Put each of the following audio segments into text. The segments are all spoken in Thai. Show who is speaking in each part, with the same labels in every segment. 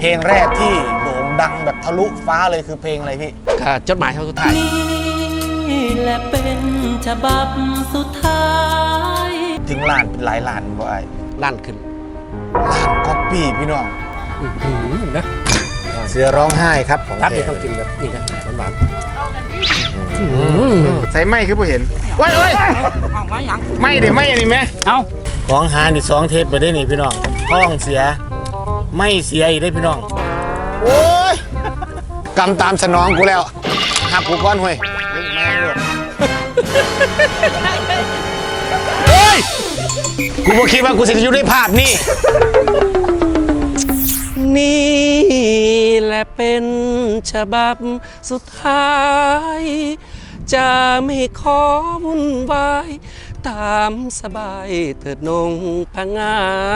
Speaker 1: เพลงแรกที่โด่งดังแบบทะลุฟ้าเลยคือเพลงอะไรพี่
Speaker 2: จดหมายครั้งสุดท้าย
Speaker 3: นี่แหละเป็นฉบับสุดท้าย
Speaker 1: ถึงล้านหลายล้านบ่ไอ้
Speaker 2: ลั่นขึ้น
Speaker 1: ล้านก๊อปปี้พี่น้อง
Speaker 2: นะ
Speaker 1: เสือร้องไห้ครับของ
Speaker 2: รับนี่ต้องกินแบบนี้นะหวาน
Speaker 1: ใส่ไม้คือผู้เห็นว้ายไม่เดี๋ยวไม่อันนี้ไหม
Speaker 2: เอา
Speaker 1: ของหานี่2 เทปไปได้นี่พี่น้องท้องเสียไม่เสียอีกได้พี่น้องโอ้ยกำตามสนองกูแล้วหักกูก้อนห้วยแม่ลูกเฮ้ยกูบ่คิดว่ากูจะอยู่ในภาพนี่
Speaker 2: นี่แหละเป็นฉบับสุดท้ายจะไม่ขอวุ่นวายตามสบายเถิดนงพงา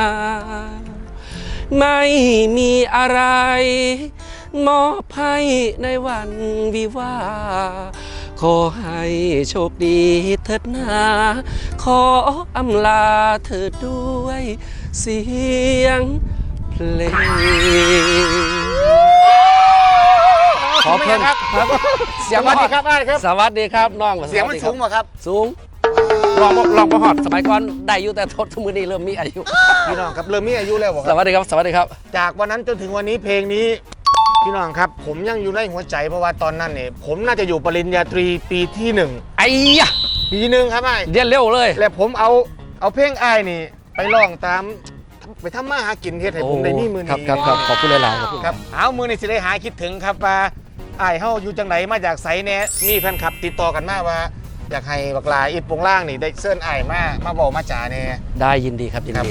Speaker 2: ไม่มีอะไรมอบให้ในวันวิวาขอให้โชคดีเถิดนาขออำลาเถิดด้วยเสียงเพลงขอเพิ่มครับเสียง
Speaker 1: สวัสดีครับได้ครับ
Speaker 2: สวัสดีครับน้อง
Speaker 1: เสียงมันสูงป่ะครับ
Speaker 2: สูงลองประหอดสมัยก่อนได้อยู่แต่ทศมือนี้เริ่มมีอายุ
Speaker 1: พี่น้องครับเริ่มมีอายุแล้ว
Speaker 2: สวัสดีครับสวัสดีครับ
Speaker 1: จากวันนั้นจนถึงวันนี้เพลงนี้พี่น้องครับผมยังอยู่ในหัวใจเพราะว่าตอนนั้นเนี่ยผมน่าจะอยู่ปริญญาตรีปีที่1
Speaker 2: ไอ้ยะ
Speaker 1: ปี1ครับไอ้
Speaker 2: เรียนเร็วเลย
Speaker 1: แล้วผมเอาเพลงไอ้นี่ไปร้องตามไปทำมาหากินเฮ็ดให้ผมได้มีมือนี้
Speaker 2: ครับขอบคุณหลายๆ
Speaker 1: ครับเอามือนี้สิได้หาคิดถึงครับว่าไอ้เฮาอยู่จังไหนมาจากไสแน่มีแฟนคลับติดต่อกันมาว่าอยากให้บักลาอิดปงล่างนี่ได้เชิญไอ้มาบอกมาจ่าแน่
Speaker 2: ได้ยินดีครับยินดี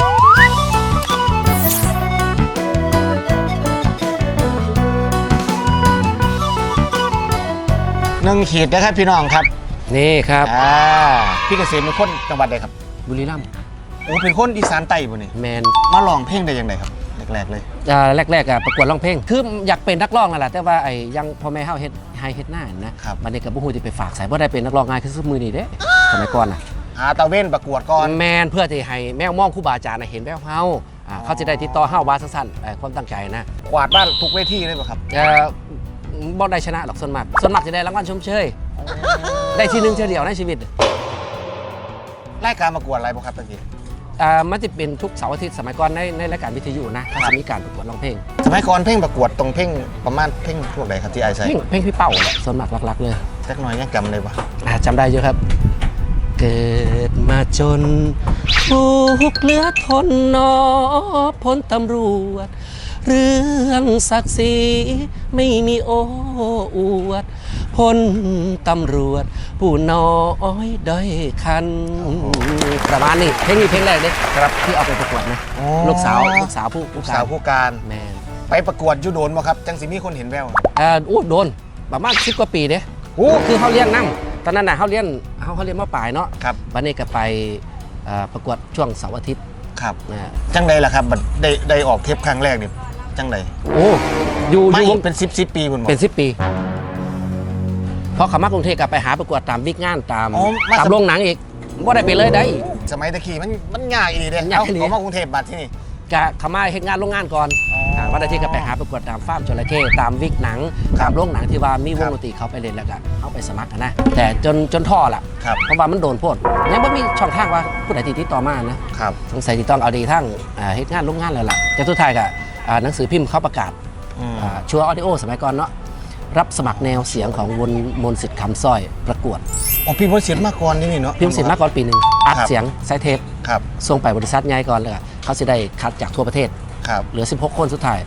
Speaker 1: 1 ขีดนะครับพี่น้องครับ
Speaker 2: นี่ครับ
Speaker 1: พี่เกษมเป็นคนจังหวัดใดครับ
Speaker 2: บุรีรัมย์
Speaker 1: โอ้เป็นคนอีสานใต้บ่นี่
Speaker 2: แมน
Speaker 1: มาร้องเพลงได้ยังไงครับแรกๆเลย
Speaker 2: แรกประกวดร้องเพลงคืออยากเป็นนักร้องนั่นแหละแต่ว่าไอ้ยังพ่อแม่เฮาเฮ็ดหน้านะครับบัดนี้ก็บ่ฮู้สิไปฝากใส่บ่ได้เป็นนักร้องง่ายคือมือนี้เด้สมัยก่อนน่ะ
Speaker 1: หาตะเว้นประกวดก่อน
Speaker 2: แมนเพื่อที่ให้แมวมองครูบาอาจารย์เห็นแววเฮาเขาจะได้ติดต่อเฮาว่าสั้นๆความตั้งใจนะ
Speaker 1: กวาดบ้านทุกเวทีเลยป่ะครับ
Speaker 2: บ่ได้ชนะหรอกส่วนมากจะได้รางวัลชมเชยได้ที่1เที่ยวเดียวในชีวิต
Speaker 1: รายการประกวดอะไรบ่ครับตะกี้
Speaker 2: มันจะเป็นทุกเสาร์อาทิตย์สมัยก่อนในรายการวิทยุนะเขาจะมีการประกวดร้องเพลง
Speaker 1: สมัยก่อนเพลงประกวดตรงเพลงประมาณเพลงพวกไหนครับที่ไอ้ใส่
Speaker 2: เพลงพี่เป้าแหละส่วนมากหลักๆเลย
Speaker 1: สักหน่อยยังจำเลยปะ
Speaker 2: จำได้เยอะครับเกิดมาจนทุกข์เหลือทนนอพ้นตำรวจเรื่องศักดิ์ศรีไม่มีโอ้อวดพ้นตำรวจผู้น้อยด้อยคันประมาณนี้เพลงนี้เพลงแรกเด้ครับที่เอาไปประกวดนะลูกสาวผู้การ
Speaker 1: แมนไปประกวดยุโดนบ่ครับจังสิมีคนเห็นแวว
Speaker 2: โดนประมาณ10 กว่าปีเด้คือเขาเลี้ยงน้ำตอนนั้นน่ะเขาเลี้ยงมาปลายเนาะ
Speaker 1: ครับ
Speaker 2: วันนี้ก็ไปประกวดช่วงเสาร์อาทิตย์
Speaker 1: ครับจังใดล่ะครับได้ออกเทปครั้งแรกนี่จังใด
Speaker 2: อยู่
Speaker 1: เป็น10 ปีคุณ
Speaker 2: เป็น10 ปีพอเขามากรุงเทพกับไปหาประกวดตามวิกงานตามโรงหนังอีกว่าได้ไปเลยได้
Speaker 1: สมัยตะกี้มันง่ายอีเด้เขามากรุงเทพบัดที่นี่
Speaker 2: กะเขามาเฮ็ดงานโรงงานก่อนวันอาทิตย์ก็ไปหาประกวดตามฟาร์มจระเข้ตามวิกหนังตามโรงหนังที่ว่ามีวงดนตรีเขาไปเล่นแล้วก็เอาไปสมัครนะแต่จนท่อละเพราะว่ามันโดนโพดยังไม่มีช่องทางว่าผู้ใดติดต่อมานะสงสัยที่ต้องเอาดีทั้งเฮ็ดงานโรงงานแล้วล่ะแต่สุดท้ายก็หนังสือพิมพ์เขาประกาศชัวร์ออดิโอสมัยก่อนเนาะรับสมัครแนวเสียงของมนต์สิทธิ์คำสร้อยประกวด
Speaker 1: พิมพ์มนต์สิทธิ์มาก่อนนี่เนาะ
Speaker 2: พิมพ์มนต์สิทธิ์มาก่อนปี 1อัดเสียงไซเทปส่งไปบริษัทใหญ่ก่อนเลยเขาจะได้คัดจากทั่วประเทศเหลือ16 คนสุดท้าย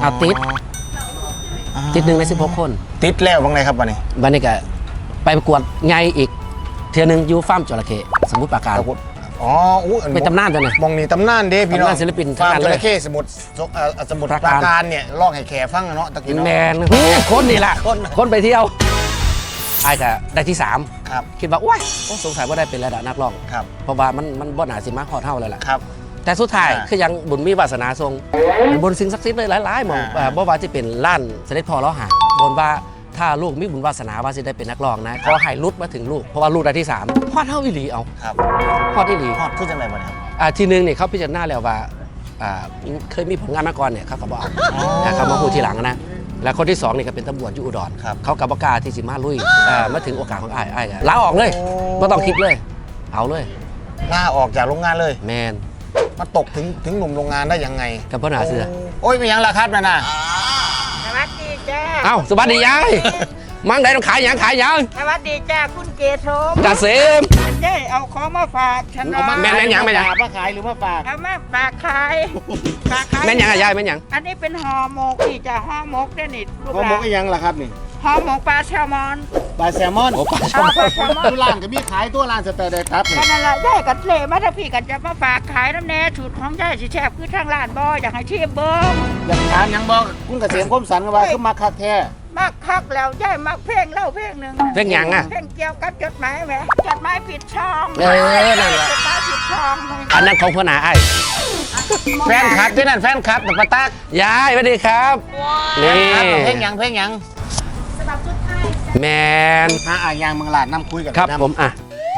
Speaker 2: ติด1 ใน 16 คน
Speaker 1: ติดแล้วบ้างไงครับวันนี้
Speaker 2: ก็ไปประกวดไงอีกเทื่อนึงยูฟาร์มจระเข้สมุทรปราการเป็นตำนานจังเลย
Speaker 1: มองนี่ตำนานเด้พี่น้อง
Speaker 2: ศิลปิน
Speaker 1: ฟาร์มจระเข้สมุทรปราการเนี่ยลองให้แขฟังเนาะตะกี้
Speaker 2: แมนคนนี่แหละคนไปเที่ยวไอ้ก็ได้ที่3
Speaker 1: ครับ
Speaker 2: คิดว่าว้ายสงสัยว่าได้เป็นระดับนักร้อง
Speaker 1: ครับ
Speaker 2: เพราะว่ามันบ่หนาสิมาฮอดเท่าเลยแหละ
Speaker 1: ครับ
Speaker 2: แต่สุดท้ายคือยังบุญมีวาสนาทรงบนสิ่งศักดิ์สิทธิ์เลยหลายๆมองบ่ว่าจะเป็นล้านเสด็จพ่อล้อหาบนว่าถ้าลูกมีบุญวาสนาว่าจะได้เป็นนักร้องนะขอให้ลุดมาถึงลูกเพราะว่าลูกได้ที่3ฮอดเท่าอีหลีเอา
Speaker 1: ครับ
Speaker 2: ฮอดอีหลี
Speaker 1: ฮอดคือจังไรบ้างครับ
Speaker 2: ทีนึงเนี่ยเขาพิจารณาแล้วว่าเคยมีผลงานมาก่อนเนี่ยเขาก็บอกเขามาพูดทีหลังนะแล้วคนที่2นี่ก็เป็นตำรวจอยู่อุดรเขากับประกล้าที่สิมาลุยมาถึงโอกาสของไอ้ลาออกเลยไม่ต้องคิดเลยเอาเลย
Speaker 1: ลาออกจากโรงงานเลย
Speaker 2: แมน
Speaker 1: มาตกถึงหนุ่มโรงงานได้ยังไง
Speaker 2: กับพ่อหนาเสือ
Speaker 1: โอ้ยไม่ยังละครับนั่นน่ะ
Speaker 4: สวัสดีจ้า
Speaker 2: เอ้าสวัสดียายมั่งได้ต้องขายหยัง
Speaker 4: สวัสดีจ้าคุณเกศสม
Speaker 2: จ่าเสม
Speaker 4: เจ้ของมาฝากฉัน
Speaker 2: แม่นหยัง
Speaker 1: มาขายหรือมาฝาก
Speaker 4: เอามาฝากขายฝากขาย
Speaker 2: แม่นหยังยายแม่นหยัง
Speaker 4: อันนี้เป็นห่อหมกนี่จ้าห่อหมกได้นี่ลูก
Speaker 1: เขา
Speaker 4: ห
Speaker 1: บอ
Speaker 4: ลาก น
Speaker 1: อีหยังล่ะครับนี่
Speaker 4: ห่อหมกปลาแซลมอน
Speaker 1: ปลาแซลมอน
Speaker 2: โอ้ปลา
Speaker 4: เอาปลาแซลมอน
Speaker 1: ทุร้านก็มีขายตัวร้านสเตอร์ได้ครับนี่
Speaker 4: ก็นั่นแหละได้กันเลยมาถ้าพี่กันจะมาฝากขายน้ำแน่สูตรของยายสิแซ่บคือทางร้านบ่อยากให้ชิมเบิ้ง
Speaker 1: อยากทานหยังบอกคุณเกษมคมสันก็ว่าคือมาคักแท้
Speaker 4: มักคักแล้วยายมักเพลงเล่าเพลงหนึ่ง
Speaker 2: เพลงหยังอ่ะ
Speaker 4: เพลงเกี่ยวกับจดหมายไหมจดหมายผิดช่อง
Speaker 2: นั่นแหละ
Speaker 4: จดหมายผิดช่อง
Speaker 2: อันนั้นของพ่อหนาไอ้
Speaker 1: แฟนคลับที่นั่นแฟนคลับแต่ปะตัก
Speaker 2: ยายสวัสดีครับนี่
Speaker 1: เพลงหยังเพลงหยัง
Speaker 2: แมน
Speaker 1: หาอ่างยางเมืองลาดน้ำคุยกัน
Speaker 2: ครับ
Speaker 1: น้ำ
Speaker 2: ผมอ่ะ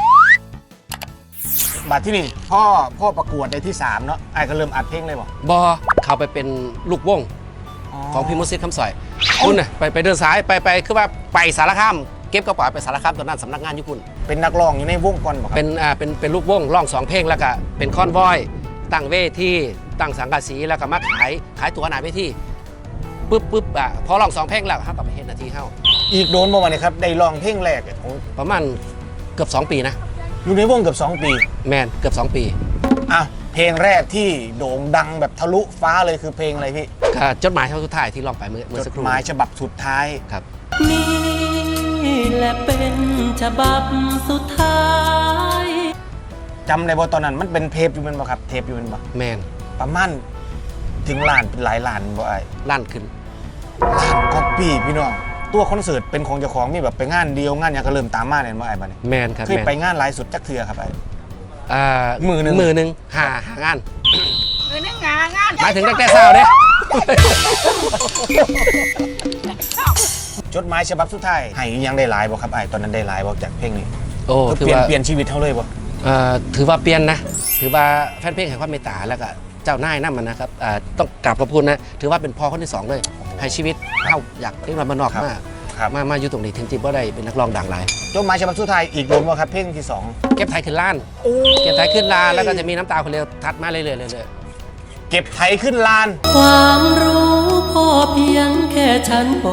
Speaker 1: บัดที่นี่พ่อประกวดในที่3เนาะไอ้ก็เริ่มอัดเพลงเลยบ่
Speaker 2: บอเขาไปเป็นลูกวงของพี่มุสิตคำสอยคุณน่ะไปเดินสายไปคือว่าไปสารคามเก็บกระเป๋าไปสารคามตอนนั้นสำนักงานอยู่คุณ
Speaker 1: เป็นนักร้องอยู่ในวงก่อนบ่ครับ
Speaker 2: เป็นลูกวงร้อง2เพลงแล้วก็เป็นคอนวอยตั้งเวทีตั้งสังกะสีแล้วก็มาขายตั๋วหน้าเวทีปุ๊บพอร้อง2เพลงแล้วเขาก็ไปเฮ็ดหน้าที่เฮา
Speaker 1: อีกโดนบ่วันนี้ครับได้ร้องเพลงแรกของ
Speaker 2: ประมาณเกือบ2 ปีนะ
Speaker 1: อยู่ในวงเกือบ2 ปี
Speaker 2: แมนเกือบ2 ปี
Speaker 1: อ่ะเพลงแรกที่โด่งดังแบบทะลุฟ้าเลยคือเพลงอะไรพี่
Speaker 2: ก็จดหมายเท่าสุดท้ายที่ร้องไปเมื่อ
Speaker 1: จ
Speaker 2: สัก
Speaker 1: ด
Speaker 2: ครู่
Speaker 1: หมายฉบับสุดท้าย
Speaker 2: ครับ
Speaker 3: นี่แหละเป็นฉบับสุดท้าย
Speaker 1: จำได้บ่ตอนนั้นมันเป็นเทปอยู่แมันบ่ครับเทปอยู่แมันบ่
Speaker 2: แมน
Speaker 1: ประมาณถึงล้านเป็นหลายล้านบ่ไอ้
Speaker 2: ลั่นขึ้น
Speaker 1: ล้านก๊อปปี้พี่น้องตัวคอนเสิร์ตเป็นของเจ้าของมีแบบไปงานเดียวงานหยังก็เริ่มตามมาเนี่ยบ่ไอ้บัดนี้
Speaker 2: แมนครับ
Speaker 1: เคย
Speaker 2: แมน
Speaker 1: ไปงานหลายสุดจักเทื่อครับไอ้
Speaker 2: มือหนึ่งหางาน
Speaker 4: คือนักงานงาน
Speaker 2: หมายถึงตั้งแต่เช้าเด้
Speaker 1: จดหมายฉบับสุดท้ายให้ยังได้หลายบ่ครับไอ้ตอนนั้นได้หลายบ่จากเพลงนี้
Speaker 2: โอ้
Speaker 1: ก็
Speaker 2: ถือ
Speaker 1: เปลี่ยน
Speaker 2: ว่า
Speaker 1: เปลี่ยนชีวิตเฮาเลยบ่
Speaker 2: ถือว่าเปลี่ยนนะ ถือว่าแฟนเพลงให้ความเมตตาแล้วก็เจ้านายนั่นมันนะครับต้องกราบขอบคุณนะ ถือว่าเป็นพ่อคนที่2เลย ให้ชีวิตเข้าอยากเล่นมานอก
Speaker 1: ครับ
Speaker 2: มาอยู่ตรงนี้ถึงที่ว่าได้เป็นนักร้องดังหลาย
Speaker 1: จดหมายฉบับสุดท้ายอีกโดนบ่ครับเพลงที่2
Speaker 2: เก็บไทยขึ้นล้าน เก็บไทยขึ้นล้านแล้วก็จะมีน้ำตาคนเร็วทัดมาเรื่อยๆ
Speaker 1: เก็บไถขึ้นลาน
Speaker 3: ความรู้พอเพียงแค่ชั้นป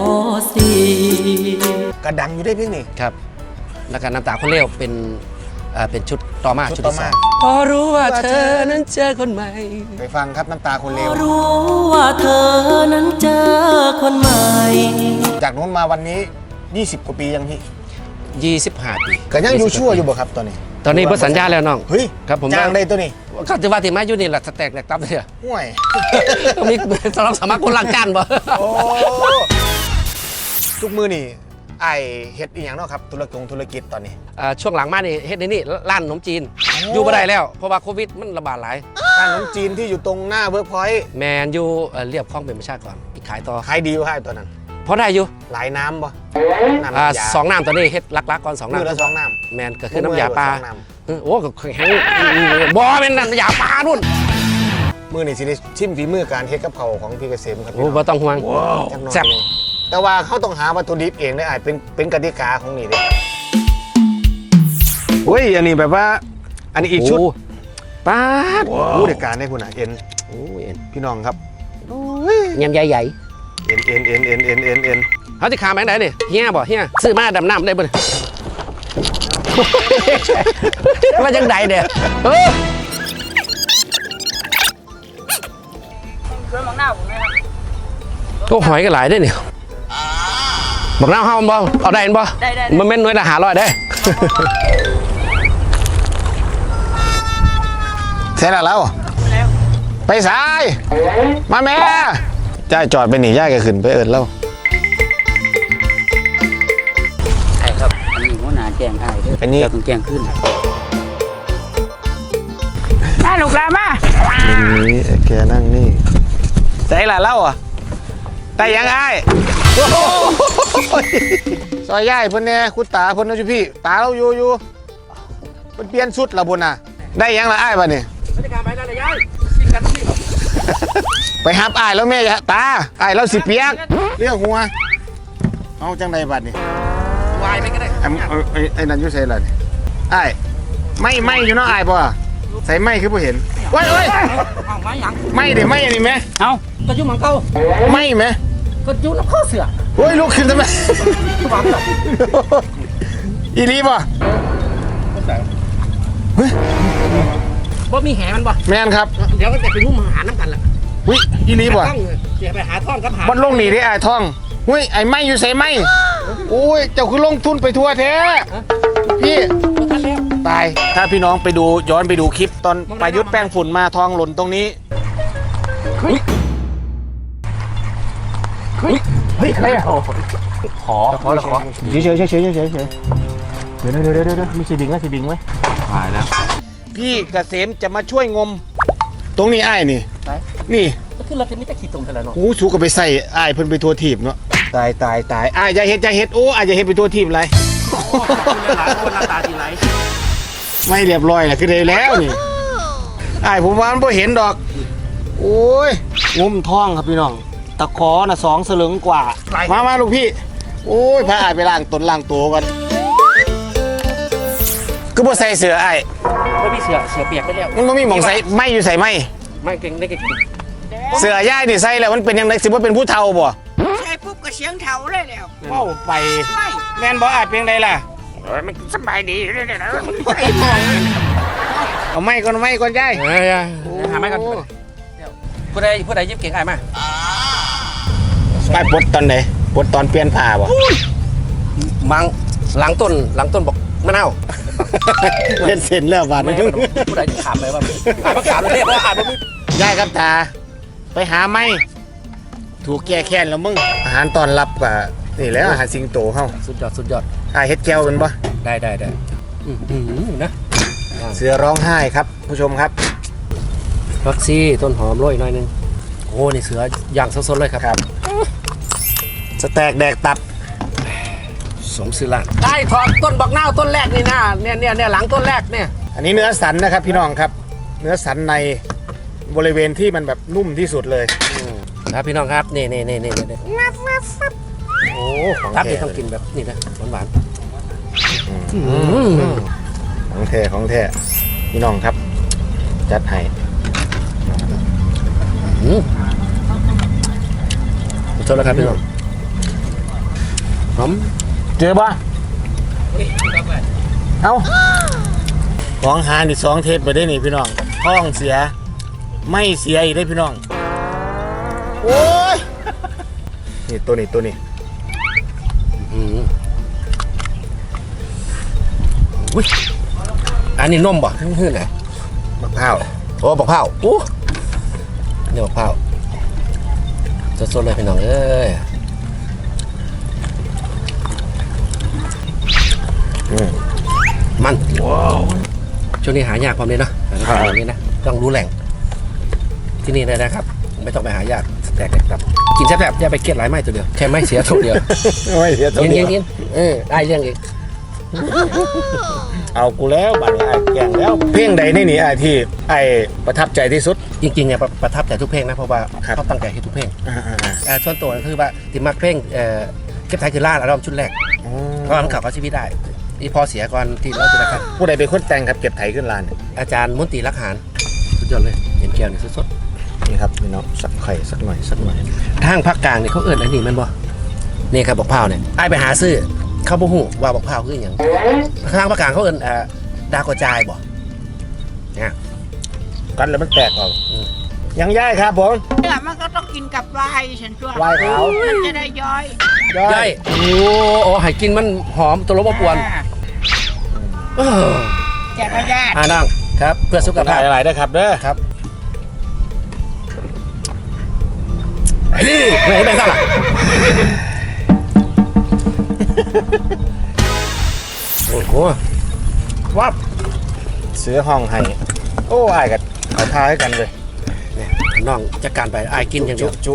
Speaker 3: .4
Speaker 1: กระดังอยู่ได้เพลงนี้
Speaker 2: ครับ แล้วก็น้ำตาคนเร็วเป็นชุดต่อมา
Speaker 1: ชุ
Speaker 2: ชุ
Speaker 1: ด
Speaker 2: ด
Speaker 1: ต่อ
Speaker 2: ที่
Speaker 1: มา
Speaker 2: สองพอรู้ว่าเธอนั้นเจอคนใหม่
Speaker 1: ไปฟังครับน้ำตาคนเลว
Speaker 3: รู้ว่าเธอนั้นเจอคนใหม่
Speaker 1: จากนู้นมาวันนี้ 20 กว่าปียังพี่
Speaker 2: 25 ปี
Speaker 1: ก็ยังอยู่ชั่วอยู่บ่ครับตอนนี้
Speaker 2: ตอนนี้เพิ่สัญญาแล้วน้อง
Speaker 1: เฮ้ย
Speaker 2: ครับผม
Speaker 1: จ้างได้ตัวนี้
Speaker 2: ก็จะว่าที่มาอยู่นี่แหละสแต็กแหลกตับเลยอะ
Speaker 1: ห่วย
Speaker 2: ต้องมีสำหรับสมัครคนลังการบ่
Speaker 1: โอ้ทุกมือนี่ไอเฮ็ดอีหยังเนาะครับธุรกิจตอนนี้
Speaker 2: ช่วงหลังมานี่เฮ็ดในนี่ร้านขนมจีน อยู่บ่ได้แล้ว เพราะว่าโควิดมันระบาดหลาย
Speaker 1: ร้านขนมจีนที่อยู่ตรงหน้าเวิร์กพอยต์
Speaker 2: แมนอยู่เรียบคลองเป็นประชากรอีกขายต่อ
Speaker 1: ขายดีอยู่ครับตัวนั้น
Speaker 2: พอได้อยู่
Speaker 1: หลายน้ำบ่น้ำ
Speaker 2: อ่าย
Speaker 1: า
Speaker 2: สองน้ำตอนนี้เฮ็ดลักๆก่อน2
Speaker 1: มือละ
Speaker 2: น้ำ
Speaker 1: 2น้ำ
Speaker 2: แมนก็คือน้ำยาปลา
Speaker 1: สองน้
Speaker 2: โอ้ก็แข็งบ่เป็นน้ำยาปลานู่น
Speaker 1: มือนี่สิได้ชิมฝีมือการเฮ็ดกับเขาวของพี่เกษมครับ
Speaker 2: โอ้บ่ต้องห่วง
Speaker 1: จักหน่อย
Speaker 2: แซ่บ
Speaker 1: แต่ว่าเขาต้องหาวัตถุดิบเองได้เป็นกติกาของนี่เด้เฮ้ยอันนี้แบบว่า อันนี้อีกชุด
Speaker 2: โป้าด
Speaker 1: ผู้จัดการได้คุณอ่ะเอ็น
Speaker 2: โอ้ย
Speaker 1: พี่น้องครับ
Speaker 2: เงินใหญ่
Speaker 1: เอ็น
Speaker 2: ๆเขาจะขาแบงค์ไหนนี่เฮียบ่เฮียซื้อมาดำน้ำได้บ่เนี่ยว่าจังใดเนี่ยเออ
Speaker 4: เครื่องมังหน้าผมไหมครับ
Speaker 2: ก็หอยกันหลายได้เนี่ยบอกน้ำเฮาบ่เอาได้บ่
Speaker 4: ได้
Speaker 2: มันแม่นหน่วยละ500ได้
Speaker 1: เสร็จแล้ว
Speaker 4: แล้ว
Speaker 1: ไปสาย มาแม่ย่ายจอดไปหนีย่ายก็ขึ้นไปเอิญแล้ว
Speaker 5: ใช่ครับ อันนี้หัวหน้าแจ้งอ้ายเด้อ
Speaker 1: อันนี้
Speaker 5: เจ้าต้องแจ้งขึ้น
Speaker 4: น่าลูกหลานมา
Speaker 1: นี่แกนั่งนี่ใส่ละเล่าอ่ะแต่ยังไงซอยย่ายเพิ่นเนี่ยคุณตาเพิ่นนะจุพี่ตาเราอยู่เพิ่นเปลี่ยนชุดละบุญน่ะได้ยังละอ้ายป่ะนี่
Speaker 2: บรรยากาศไปได้เลยยายกินกันสิ
Speaker 1: ไปหับอ้ายแล้วแม่จะตาอ้ายแล้วสิเปียกเรื่องหัวเอาจังไดบัดนี่
Speaker 2: วายไปก็ได้
Speaker 1: ไอ้นั่นอยู่ใส่ล่ะนี่อ้ายไม่อยู่เนาะอ้ายบ่ใส่ไม่คือบ่เห็นโอ้ย
Speaker 2: เอาไม้หยัง
Speaker 1: ไม่เด้ไม่อันนี้แม่
Speaker 2: เอาก็ยุ่งมังเก่า
Speaker 1: ไม่แม่
Speaker 2: ก็ยุ่งน้ำข้อเสือ
Speaker 1: โอ้ยลุกขึ้นทำไม
Speaker 2: หวังหรอก
Speaker 1: อีลีบ่
Speaker 2: บ่มีแหมันบ่
Speaker 1: แม่นครับ
Speaker 2: เดี๋ยวก็จะไปงุ้มหาน้ำกันล่ะ
Speaker 1: อุ้ยอีลีบ่
Speaker 2: ต้องเดี๋ยวไปหาท่อนกับหา
Speaker 1: มันลงหนีได้อ้ายท่องอุ้ยไอ้ไม่อยู่ใส่ไม่โอ้ยเจ้าคือลงทุนไปทั่วแท้พี่
Speaker 2: ทันแล้ว
Speaker 1: ตายถ้าพี่น้องไปดูย้อนไปดูคลิปตอนประยุทธ์แป้งฝุ่นมาทองหล่นตรงนี้เฮ้ยใครอะขอเฉยเดี๋ยวมีสีบิงไหมสีบิงไหมหายแล้วพี่เกษมจะมาช่วยงม ตรงนี้อ้ายนี่นี่
Speaker 2: ก็คือเราจะมีแต่ขี้ตมแต่ละเนาะ
Speaker 1: โอ้สูก็ไปใส่อ้ายเพิ่นไปทัวทีบเนาะตายอ้ายอย่าเฮ็ดโอ้อ้ายอย่าเฮ็ดไปทัวทีบอะไร
Speaker 2: คนหน้าตาดีไร
Speaker 1: ไม่เรียบร้อยแหละคือได้แล้วนี่อ้ายผมว่ามันบ่เห็นดอก โอ้ยงมท้องครับพี่น้องตะขอน่ะ2 สลึงกว่ามาลูกพี่โอ้ยพาอ้ายไปล้างตนล้างตัวกันคือบ่ใส่เสื้ออ้าย
Speaker 2: ไม่มีเสือเปียกไปแล้ว
Speaker 1: มันบ่มีหม่องใส่ไม่อยู่ใส่ไม่
Speaker 2: ไม่เก่งได้เก่ง
Speaker 1: เสื้อย่ายนี่ใส่แล้วมันเป็นยังไงสิบ่เป็นผู้เฒ่าบ่
Speaker 4: ใช่ปุ๊บก็เสียงเถาเลยแล้ว
Speaker 1: เว้าไป
Speaker 4: ไม่
Speaker 1: แม่นบ่อ้ายเป็นไดล่ะ
Speaker 4: มันสบายดีเลยนะ
Speaker 1: เอาไม่ก่อนยาย
Speaker 2: หาไม่กันผู้ใดยิบเก่งไอ้มา
Speaker 1: ไปปลดตอนไหนปลดตอนเปลี่ยนผ้าบ่
Speaker 2: มังหลังต้นบอกมะนาว
Speaker 1: เล่นเส้นแล้วบาดนี้
Speaker 2: ผู้ใดถามไปว่าถามเลยเพราะอ่านไม่
Speaker 1: ยายครับตาไปหาไม่ถูกแก้แค้นแล้วมึงอาหารตอนรับกับนี่แหล้วอาหารสิงโตเฮา
Speaker 2: สุดยอด
Speaker 1: เฮ็ดแก้วเป็นบ่
Speaker 2: ได้นะ
Speaker 1: เสือร้องไห้ครับผู้ชมครับ
Speaker 2: ฟักซี่ต้นหอมโรยหน่อยนึงโอ้นี่เสือย่างสดๆเลยครับ
Speaker 1: สแต็กแดกตับ
Speaker 2: สมศิลาได้ถอดต้นบักนาวต้นแรกนี่นะเนี่ยหลังต้นแรกเนี่ย
Speaker 1: อันนี้เนื้อสันนะครับพี่น้องครับ เนื้อสันในบริเวณที่มันแบบนุ่มที่สุดเลย
Speaker 2: ครับพี่น้องครับนี่
Speaker 1: โอ้ของ
Speaker 2: ครับ
Speaker 1: แท้
Speaker 2: นี่ต้องกินแบบนี่นะหวาน
Speaker 1: ของแท้พี่น้องครับ จัดให้
Speaker 2: โทษแล้วครับพี่น้องหอม
Speaker 1: เจอบ่เอาของหานี่2 เทปไปได้นี่พี่น้องท้องเสียไม่เสียอีกได้พี่น้องโอ้ยนี่ตัวนี้
Speaker 2: อุ้ยอันนี้นมบ่ขึ้นไหน
Speaker 1: มะพร้าว
Speaker 2: โอ้บักเผาโอ้เนี่ยบักเผาสดๆเลยพี่น้องเอ้ยมันช่วงนี้หายากความนี้เนาะแบบนี้นะต้องรู้แหล่งที่นี่เลยนะครับไม่ต้องไปหายากแตกครับกินแซ่บๆอย่าไปเกลียดหลายไม้ตัวเดียวแค่ไม่เสียตัวเดียว
Speaker 1: ไม่เสียตัว
Speaker 2: เย็น
Speaker 1: เดียว
Speaker 2: ได้เรื่องอีก
Speaker 1: เอากูแล้วบัดนี้ไอ้แกงแล้วเพลงใดนี่ไอ้ที่ไอ้ประทับใจที่สุด
Speaker 2: จริงๆเนี่ยประทับใจทุกเพลงนะเพราะว่า
Speaker 1: ครับ
Speaker 2: เขาตั้งใจให้ทุกเพลง
Speaker 1: อ่า
Speaker 2: ส่วนตัวก็คือว่าติมักเพลงเก็บไทยคือล่าอัลบั้มชุดแรก เพราะว่ามันขับเอาชีวิตได้ที่พอเสียก่อนที่เราจะได้ครับ
Speaker 1: ผู้ใดเป็นคนแต่งครับเก็บไถขึ้นลานเนี่ย
Speaker 2: อาจารย์มนตรีรักหารสุดยอดเลยเห็นแก้วนี่สด
Speaker 1: นี่ครับพี่น้องสักไข่สักหน่อย
Speaker 2: ๆทางภาคกลางเนี่ยเขาเอิ้นอันนี้มันบ่นี่ครับบอกเผาเนี่ยไอ้ไปหาซื้อเขาบ่ฮู้ว่าบอกเผาคืออย่างทางภาคกลางเขาเอิ้นดาวกระจายบ่เนี่ย
Speaker 1: กันแล้วมันแตกออกยังย่ายครับผม
Speaker 4: เนี่ยมันก็ต้องกินกับไวน์ฉันชัว
Speaker 1: ไวน์ขาว
Speaker 4: มันจะได้ย่อย
Speaker 2: ย่อยโอ้ให้กินมันหอมตัวรบกวน
Speaker 4: แจกระยะ
Speaker 2: นั่งครับเพื่อสุข
Speaker 1: กระ
Speaker 2: ภา
Speaker 1: ถ่า
Speaker 2: พ
Speaker 1: ยอะไรด้วยครับเด้อ
Speaker 2: ครับนี่ไม่เห็นเป็นซ่าล่ะโอ้โหวับ
Speaker 1: เสือห้องให้โอ้ไอ้กับเขาทาให้กันเลย
Speaker 2: เนี่ยน้องจัดการไปอายกินอย่างเดียว
Speaker 1: จุ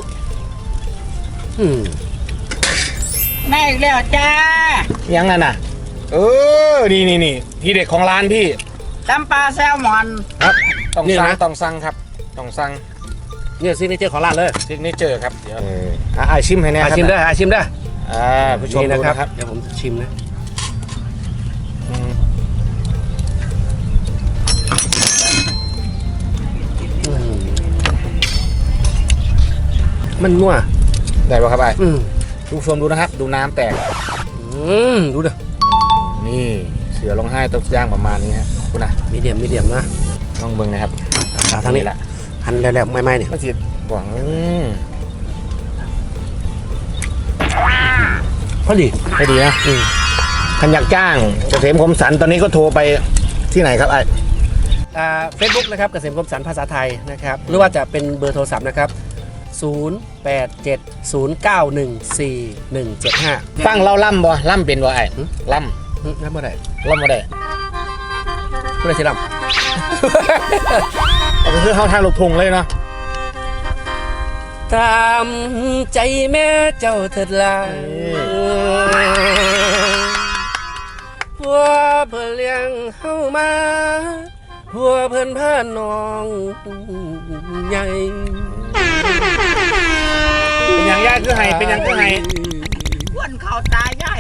Speaker 4: ได้อีกแล้วจ้า
Speaker 1: ยังนั่นน่ะนี่ที่เด็ดของร้านพี่
Speaker 4: ตำปลาแซลมอน
Speaker 1: ครับต้องสั่งครับต้องสั่ง
Speaker 2: เนี่ยซิกเนเจอร์ของร้านเลย
Speaker 1: ซิกเนเจอร์ครับเดี๋ยวชิมให้แน่ครับ
Speaker 2: ชิมได้ชิมได้
Speaker 1: ผู้ชมดูนะครับ
Speaker 2: เดี๋ยวผมชิมนะมันนัว
Speaker 1: ได้ป่ะครับไอ้ผู้ชมดูนะครับ ดูน้ำแตก
Speaker 2: ดูเด้อ
Speaker 1: นี่เสือร้องไห้ตกย่างประมาณนี้ฮะคุณนะ
Speaker 2: มีเดียมนะ
Speaker 1: ต้องเบิ่งนะครับ
Speaker 2: ทางนี้แหละหั่นแล้วไม่เนี่ย
Speaker 1: ก็สิหวัง
Speaker 2: พอดี
Speaker 1: ให้ดีนะขันอยากจ้างเกษมคมสันตอนนี้ก็โทรไปที่ไหนครับไอ้
Speaker 2: เฟซบุ๊กนะครับเกษมคมสันภาษาไทยนะครับหรือว่าจะเป็นเบอร์โทรศัพท์นะครับ0870914175
Speaker 1: ฟังเราล่ำบ่ล่ำเป็นบ่ไอ้ล่
Speaker 2: แล้วเมื่อไหร่
Speaker 1: ำล่ำบ่ได้
Speaker 2: เมื่อไหร่สิล
Speaker 1: เอาไปคือเข้าทางลูกทุ่งเลยเนาะ
Speaker 2: ำตามใจแม่เจ้าเถิดลาพัวเพื่อเลี้ยงเฮามาพัวเพื่อนพาน้องใหญ่
Speaker 1: เป็นอย่างยากคือไห้เป็นอย่างคือไห้
Speaker 4: อ้วนเขาตาใหญ่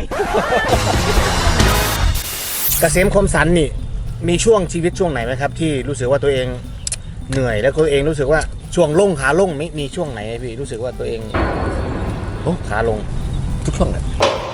Speaker 1: เกษมคมสันนี่มีช่วงชีวิตช่วงไหนไหมครับ ที่รู้สึกว่าตัวเองเหนื่อยแล้วตัวเองรู้สึกว่าช่วงลงขาลงมีช่วงไหนพี่รู้สึกว่าตัวเองขาลง
Speaker 2: ทุกช่วงแหละ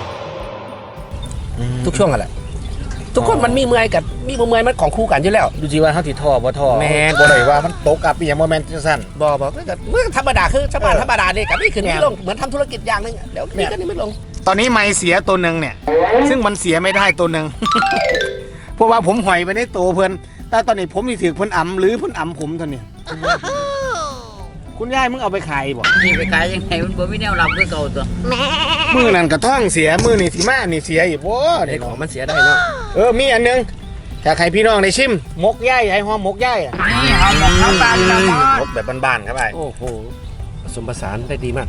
Speaker 2: ทุกช่วงแหละทุกคนมันมีเมื่อยกับมีบ่เมื่อยมันของคู่กันอยู่แล้ว
Speaker 1: ดูจีว่าเขาติดท่อบ่ท่อ
Speaker 2: แม่น
Speaker 1: บ่ได้ว่ามันตกอับอีหยังบ่แม่นจังซั่น
Speaker 2: บอกก็เมื่อธรรมดาคือชาวบ้านธรรมดาเนี่ยกับนี่ขึ้นไม่ลงเหมือนทำธุรกิจอย่างนึงเดี๋ยวนี่ก็นี่ไม่ลง
Speaker 1: ตอนนี้ไม้เสียตัวหนึ่งเนี่ย ซึ่งมันเสียไม่ได้ตัวหนึ่ง เพราะว่าผมหอยไปในตัวเพื่อนแต่ตอนนี้ผมมีถือเพิ่นอ่ำหรือเพิ่นอ่ำผมตอนนี้ คุณยายมึงเอาไปขายบ่
Speaker 5: นี่ไปขายยังไงมันบ่มีแนวรับคือเก่าตัว
Speaker 1: มือนั่นกระท่องเสียมือนี่สิมานี่เสียอีกบ่
Speaker 2: ไอ้
Speaker 1: ได้
Speaker 2: ของมันเสียได้เนาะ
Speaker 1: มีอันหนึงถ้าใครพี่น้องได้ชิมมกย่ายไอ้หอมมกย่ายอะ
Speaker 4: นี่เขาบอกเขาบานละมอด
Speaker 1: มกแบบบ้านๆครับไอ้
Speaker 2: โอ้โหผสมผสานได้ดีมาก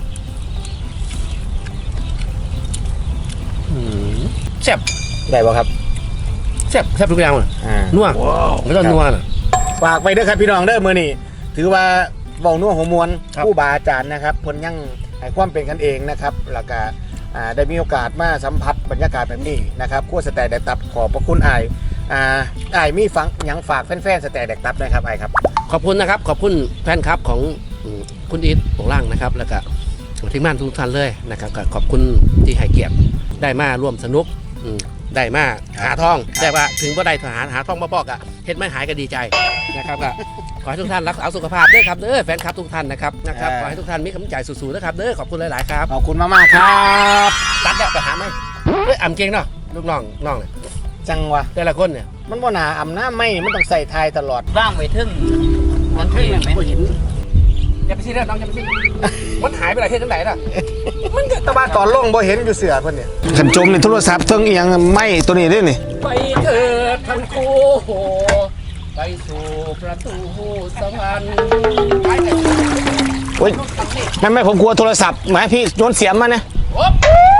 Speaker 2: แซ่บ
Speaker 1: ได้บ่ครับ
Speaker 2: แซ่บทุกอย่างเลยนัวไม่ต้องนัวน่ะ
Speaker 1: ฝากไปเด้อครับพี่น้องเด้อมื้อนี้ถือว่าเว้านัวหัวมวล
Speaker 2: ครับ
Speaker 1: ผู้บาอาจารย์นะครับเพิ่นยังให้ความเป็นกันเองนะครับแล้วก็ได้มีโอกาสมาสัมผัสบรรยากาศแบบนี้นะครับครัวสแตกแดกตับขอบพระคุณอ้ายอ้ายมีฟังหยังฝากแฟนๆสแตกแดกตับนะครับอ้ายครับ
Speaker 2: ขอบคุณนะครับขอบคุณแฟนคลับของคุณอีทโปงล่างนะครับแล้วก็ทีมงานทุกท่านเลยนะครับก็ขอบคุณที่ให้เกียรติได้มาร่วมสนุกได้มาหาทองแต่ว่าถึงว่าได้หาทองมาบอกอะเฮ็ดไม่หายก็ดีใจนะครับก็ขอให้ทุกท่านรักษาสุขภาพด้วยครับแฟนคลับทุกท่านนะครับขอให้ทุกท่านมีกำลังใจสู้ๆนะครับขอบคุณหลายๆครับ
Speaker 1: ขอบคุณมากๆครับ
Speaker 2: ตัดแล้วไปหาไหมอ่ำเก่งเนาะลูกน้องเนี่ย
Speaker 1: จังวะ
Speaker 2: แต่ละคนเนี่ย
Speaker 1: มันบ่หนาอ่ำหน้าไม่มันต้องใส่ทายตลอด
Speaker 5: ว่างไว้ทึ่งมันทึ่งแม่น
Speaker 2: เห็นอย่าไปซีเรียสน้องอย่าไปซีเรียสมันหายไปไหนเฮ็ดจังไหนล่ะมันก็
Speaker 1: แต่ว่าตอนลงบ่เห็นอยู่เสือเพิ่นเนี่ยขันจมในโทรศัพท์เทิงอีหยังไม่ตัวนี้ด้วยนี่
Speaker 2: ไปเถิดทั้งคู่ไปสู่ประตูสวรรค์ไปเถิด
Speaker 1: โอ้ยนั่นไม่ผมกลัวโทรศัพท์หมายพี่โยนเสียมมาเนี่ย
Speaker 2: โอ๊บ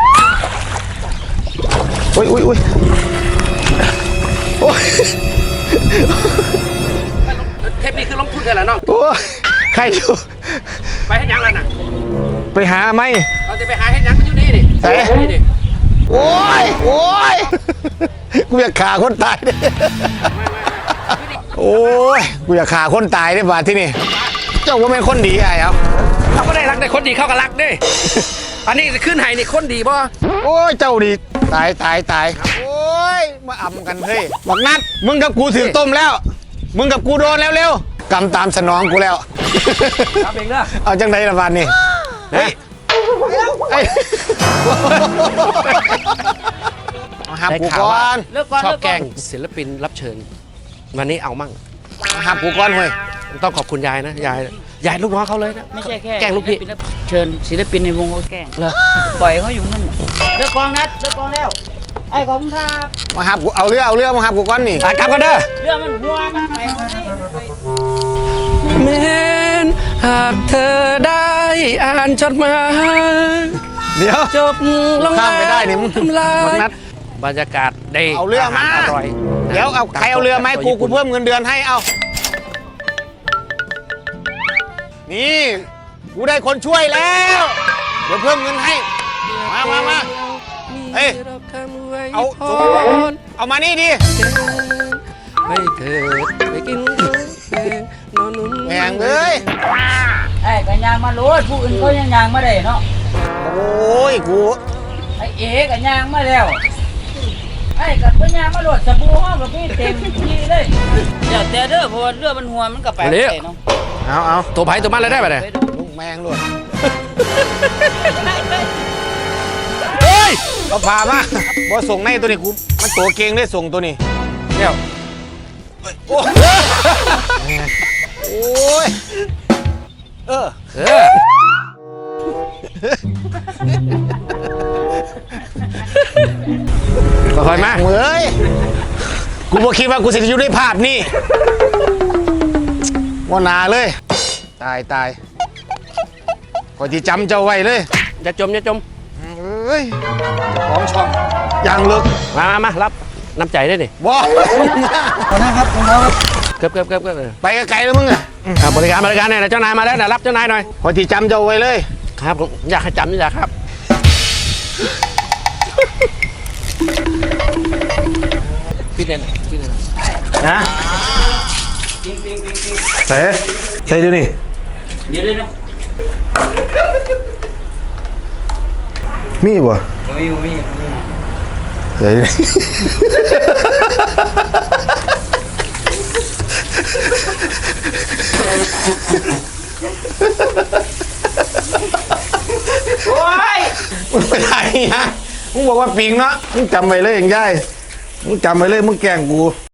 Speaker 1: อุ้ยอุ้ยอุ้ยโอ้ย
Speaker 2: เทปนี้คือลงทุนกันแล้วน้อง
Speaker 1: โอ้ยใครอยู่
Speaker 2: ไปให้ยังแล้วน่ะ
Speaker 1: ไปหาไหม
Speaker 2: เราจะไปหาให้ยังมันอยู่นี่ดิ
Speaker 1: เอ๊ะ
Speaker 2: นี่ดิ
Speaker 1: โอ้ยโอ้ยกูอยากฆ่าคนตายเนี่ยโอ้ยกูอยากฆ่าคนตายเนี่ยบาดที่นี่เจ้าว่าเป็นคนดีไอ้ครับ
Speaker 2: เขาก็ได้รักได้คนดีเข้ากับรักดิอันนี้จะขึ้นไห้นี่คนดีป่ะ
Speaker 1: โอ้ยเจ้าดีตายตายตายโอ้ยมาอ่ำกันเฮ้ยบอกนัดมึงกับกูถือต้มแล้ว มึงกับกูโดนแล้วเร็วกำตามสนองกูแล้ว
Speaker 2: ครับเองเด้อ
Speaker 1: เอาจังไดละบาดนี่เฮ้ยเอ้ยมาหับกูก่อน
Speaker 2: ชอบแกล้งศิลปินรับเชิญ วันนี้เอามั่ง
Speaker 1: มาหับกูก่อนเฮ้ย
Speaker 2: ต้องขอบคุณยายนะยายลูกน้องเขาเลยนะ
Speaker 5: ไม่ใช่แค่
Speaker 2: แกล้งลูกพี่
Speaker 5: เชิญศิลปินในวงเขาแกล้ง
Speaker 2: เหรอ
Speaker 5: ปล่อยเขาอยู่นั่นน่ะเลิกกองนัดเลิกกองแล้วไอ้ของครับ
Speaker 1: มาหับกูเอาเรือมาหับกูก่อนนี่
Speaker 2: ไปกลับกันเด้อ
Speaker 5: เรื่องมันหัวมันไปเอาให้
Speaker 2: แม้นหากเธอได้อ่านจดหมาย
Speaker 1: เดี๋ยว
Speaker 2: จบลง
Speaker 1: ข้ามไปได้นี่มึง
Speaker 2: ทำลา
Speaker 1: บัก
Speaker 2: ย
Speaker 1: นัด
Speaker 2: บรรยากาศได้
Speaker 1: เอาเรือมา
Speaker 2: หรอร่อย
Speaker 1: เดี๋ยวเอาใครเอาเรือไหมาให้กูเพิ่มเงินเดือนให้เอานี่กูได้คนช่วยแล้ว เดี๋ยวเพิ่มเงินให้ มาเฮ้ยเอาเอามานี่ดิ
Speaker 2: ไม่เถิดไปกินข้าวแกงนอนนุ่น
Speaker 1: แหงเอ้ย
Speaker 5: ไอ้กันยางมาโลดผู้อื่นเขายังยางมาได้เนาะ
Speaker 1: โอ้ยกู
Speaker 5: ไอ้เอ๋กันยางมาแล้วไอ้กับพญางมาโลดสบู่ห้องกับพี่เต็มที่เลยเดี๋ยวแต่เด้อเพราะว่าเรือมันหัวมันกับแปลกเนาะ
Speaker 1: เอา
Speaker 2: ตัวไผ่ตัวมันเลยได้ปะเนี่ย
Speaker 1: ลูกแมงด้วยเฮ้ยก็พามาบอส่งในตัวนี้กูมันตัวเก่งได้ส่งตัวนี้เดี๋ยวโอ้ยเออ
Speaker 2: ค่อยๆมา
Speaker 1: เฮ้ยกูบอกคิดว่ากูจะอยู่ในภาพนี่ว่านาเลย ตายขอที่จำเจ้าไว้เลย
Speaker 2: อย่าจม
Speaker 1: เฮ้ยของช่องยังลึก
Speaker 2: มารับน้ำใจได้ดิ
Speaker 1: ว้าว
Speaker 5: ขอนะครับขอครับ
Speaker 2: เกือบ
Speaker 1: ไปไกลๆแล้วมึงอะ
Speaker 2: บริการเนี่ยเจ้านายมาแล้วนะรับเจ้านายหน่อย
Speaker 1: ขอที่จำเจ้าไว้เลย
Speaker 2: ครับผมอยากให้จำนี่แหละครับ
Speaker 1: นะใส่ดูนี่
Speaker 5: เดี๋ยวนะ
Speaker 1: มีบ่ใส่
Speaker 5: โอ้ย
Speaker 1: มึงไปไหนฮะมึงบอกว่าปิงเนาะมึงจำไว้เลยอย่างย่ายมึงจำไว้เลยมึงแกล้งกู